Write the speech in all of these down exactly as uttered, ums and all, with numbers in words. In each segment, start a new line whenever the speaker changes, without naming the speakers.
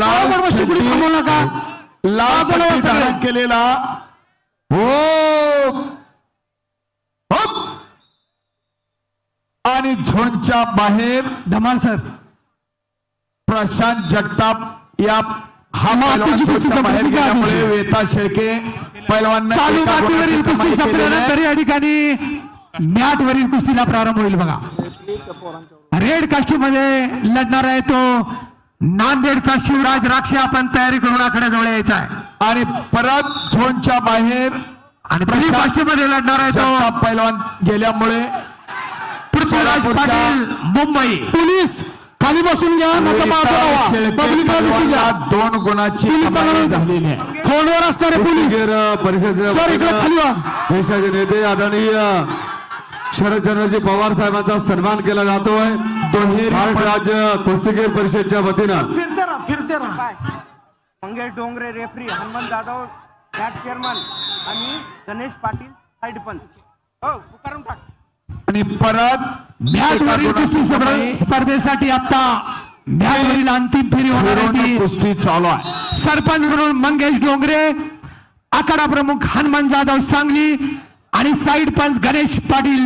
लाल
शिकडी थांबवू नका.
लाल पट्टी धारण केलेला हो हप. आणि झोनच्या बाहेर
धमाल सर
प्रशांत जगताप या हा
मातीची
पैलवान
कुस्ती
झोनच्या बाहेर
संपली का
गेल्यामुळे
आधीची?
वेता शेळके पैलवान
चालू मातीवरील कुस्ती संपल्यानंतर या ठिकाणी मॅट वरील कुस्तीला प्रारंभ होईल बघा. रेड कास्ट्यूम मध्ये लढणार आहे तो नांदेडचा शिवराज राक्षे. आपण तयारी करून आखाड्याजवळ यायचा आहे.
आणि परत झोनच्या बाहेर
आणि ब्लू कास्ट्यूम मध्ये लढणार आहे तो
जगताप पैलवान गेल्यामुळे
पृथ्वीराज पाटील मुंबई.
पोलीस खाली बसून घ्या नका मागं राहा. पब्लिकला दिसून घ्या.
दोन गुणाची
पोलिसांना
कमाई झालेली आहे.
फोनवर असणारे पोलीस
परिषद
सर इकडे खाली व्हा.
देशाचे नेते आदरणीय शरदचंद्रजी पवार साहेबांचा सन्मान केला जातोय. महाराष्ट्र राज्य कुस्तीगीर परिषदच्या वतीनं
फिरते राहा फिरते राहा.
Mangesh Dongre referee, Hanuman Jadhav match chairman आणि गणेश पाटील साइड पंच. हो पुकारून टाक.
आणि परत
मॅट वरील कुस्ती स्पर्धे- स्पर्धेसाठी आता मॅट वरील अंतिम फेरी होणार आहे ती
कुस्ती चालू आहे.
सरपंच म्हणून मंगेश डोंगरे, आखाडा प्रमुख हनुमान जाधव सांगली आणि साइड पंच गणेश पाटील.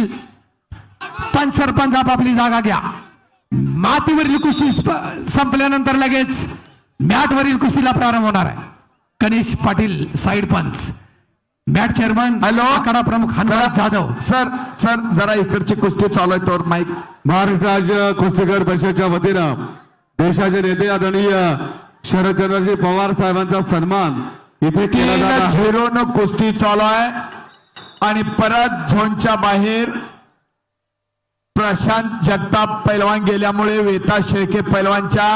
पंच सरपंच आपापली जागा घ्या. मातीवरील कुस्ती स्प- संपल्यानंतर लगेच मॅट वरील कुस्तीला प्रारंभ होणार आहे. गणेश पाटील साइड पंच, मॅट चेअरमन
हॅलो.
आखाडा प्रमुख हनुमान जाधव.
सर सर जरा इकडची कुस्ती चालू आहे तर माईक.
महाराष्ट्र राज्य कुस्तीगीर परिषदच्या वतीनं देशाचे नेते आदरणीय शरदचंद्रजी पवार साहेबांचा सन्मान इथे केला जात आहे.
झिरोनं कुस्ती चालू आहे. आणि परत झोनच्या बाहेर प्रशांत जगताप पैलवान गेल्यामुळे वेता शेळके पैलवानच्या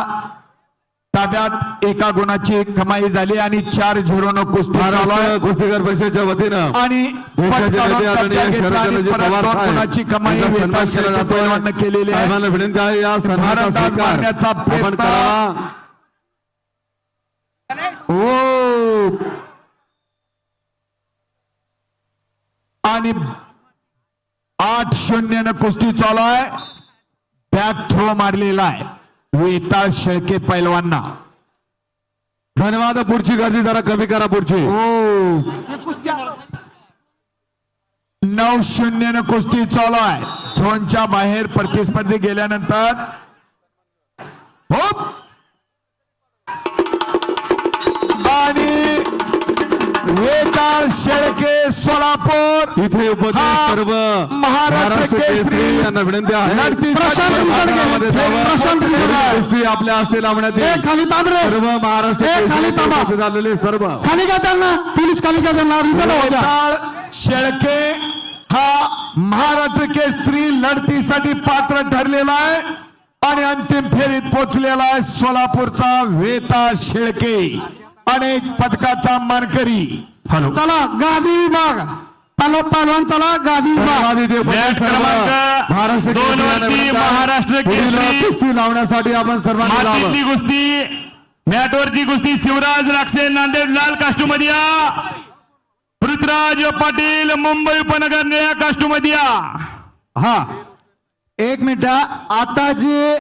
ताब्यात एका गुणाची कमाई झाली आणि चार झिरोनं कुस्ती चालू आहे.
महाराष्ट्र कुस्तीगीर परिषदच्या वतीनं
आणि
देशाचे
पटकावून
नेते आदरणीय
कब्जा घेतला आणि
शरदचंद्रजी
परत
पवार
दोन गुणाची
साहेब
कमाई
यांचा
वेता
सन्मान केला
शेळके
जातोय.
पैलवाननं केलेली आहे.
साहेबांना विनंती आहे या सन्मानाचा
भारतात
स्वीकार
मारण्याचा
आपण
प्रयत्न.
करावा.
हो. आणि आठ शून्य कुस्ती चालू आहे. बॅक थ्रो मारलेला आहे वेता शेळके पैलवांना.
धन्यवाद. पुढची गर्दी जरा कमी करा. पुढची
हो. नऊ शून्य कुस्ती चालू आहे. झोनच्या बाहेर प्रतिस्पर्धी गेल्यानंतर हो. आणि वेता शेळके सोलापूर
इथे उपस्थित
हा
सर्व
महाराष्ट्र केसरी
यांना विनंती आहे
लढतीसाठी
प्रशांत रिंगण
मध्ये
घे.
जावं.
प्रशांत रिंगण घे.
कुस्ती आपल्या हस्ते लावण्यात
ए
येईल.
खाली तांब रे.
सर्व महाराष्ट्र
ए, खाली
केसरी
थांबा.
उपस्थित झालेले सर्व
खाली घ्या त्यांना. पोलीस खाली घ्या त्यांना. रिझल्ट हो द्या.
वेताळ शेळके हा महाराष्ट्र केसरी लढतीसाठी पात्र ठरलेला आहे आणि अंतिम फेरीत पोहोचलेला आहे. सोलापूरचा वेता शेळके अनेक पदकाचा मानकरी. हॅलो.
चला गादी विभाग पालो पहलवान. चला गादी विभाग.
धन्यवाद. इथे उपस्थित सर्व
क्रमांक
महाराष्ट्र
दोन
केसरी यांना
वरती
विनंती आहे.
महाराष्ट्र
पुढील
केसरी
कुस्ती लावण्यासाठी आपण सर्वांनी लावावं.
मातीतली कुस्ती, मॅटवरची कुस्ती शिवराज राक्षे नांदेड लाल कास्टूम मध्ये या. पृथ्वीराज पाटील मुंबई उपनगर निळ्या कास्टूम मध्ये या.
हा एक मिनिट आता जे